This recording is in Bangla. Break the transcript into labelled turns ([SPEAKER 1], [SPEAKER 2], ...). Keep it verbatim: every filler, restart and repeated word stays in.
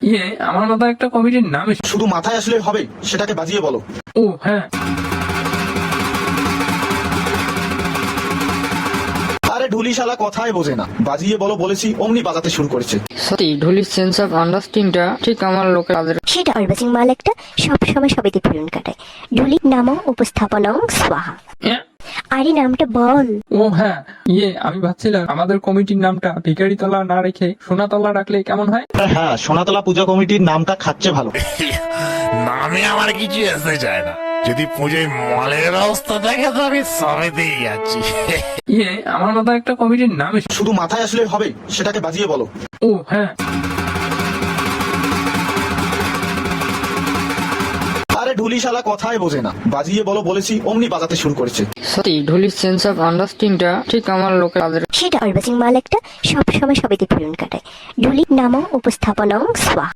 [SPEAKER 1] ইয়ে আমার মাথায় একটা কমিটির নাম এসে-
[SPEAKER 2] শুধু মাথায় আসলে হবে, সেটাকে বাজিয়ে বলো।
[SPEAKER 1] ও হ্যাঁ,
[SPEAKER 2] আরে ঢুলি শালা কথাই বোঝে না, বাজিয়ে বলো বলেছি অমনি বাজাতে শুরু করেছে।
[SPEAKER 3] সত্যি ঢুলির সেন্স অফ আন্ডারস্ট্যান্ডিংটা ঠিক আমার লোকের কাজের।
[SPEAKER 4] সেটা অর্বাচিং মাল একটা সবসময় সবেতে ফিরুন কাটায়। ঢুলি নাম উপস্থাপনং স্বাহা।
[SPEAKER 1] ইয়ে,
[SPEAKER 4] আরে নামটা বল।
[SPEAKER 1] ও হ্যাঁ, ইয়ে আমি ভাবছিলাম আমাদের কমিটির নামটা ভিখারিতলা না রেখে সোনাতলা রাখলে কেমন হয়।
[SPEAKER 2] হ্যাঁ, সোনাতলা পূজা কমিটির নামটা খাচ্ছে ভালো।
[SPEAKER 5] নামে আমার কিছু আসতে চায় না, যদি পুজোয় মলের অবস্থা দেখে তো আমি সবেতেই যাচ্ছি।
[SPEAKER 1] ইয়ে আমার মাথায় একটা কমিটির নাম এসে-
[SPEAKER 2] শুধু মাথায় আসলে হবে, সেটাকে বাজিয়ে বলো।
[SPEAKER 1] ও হ্যাঁ,
[SPEAKER 2] আরে ঢুলি শালা কথাই বোঝে না, বাজিয়ে বলো বলেছি অমনি বাজাতে শুরু করেছে।
[SPEAKER 3] সত্যি ঢুলির সেন্স অফ আন্ডারস্ট্যান্ডিংটা ঠিক আমার লোকের কাজের।
[SPEAKER 4] সেটা অর্বাচিং মাল একটা সবসময় সবেতে ফিরুন কাটায়। ঢুলি নাম উপস্থাপনং স্বাহা।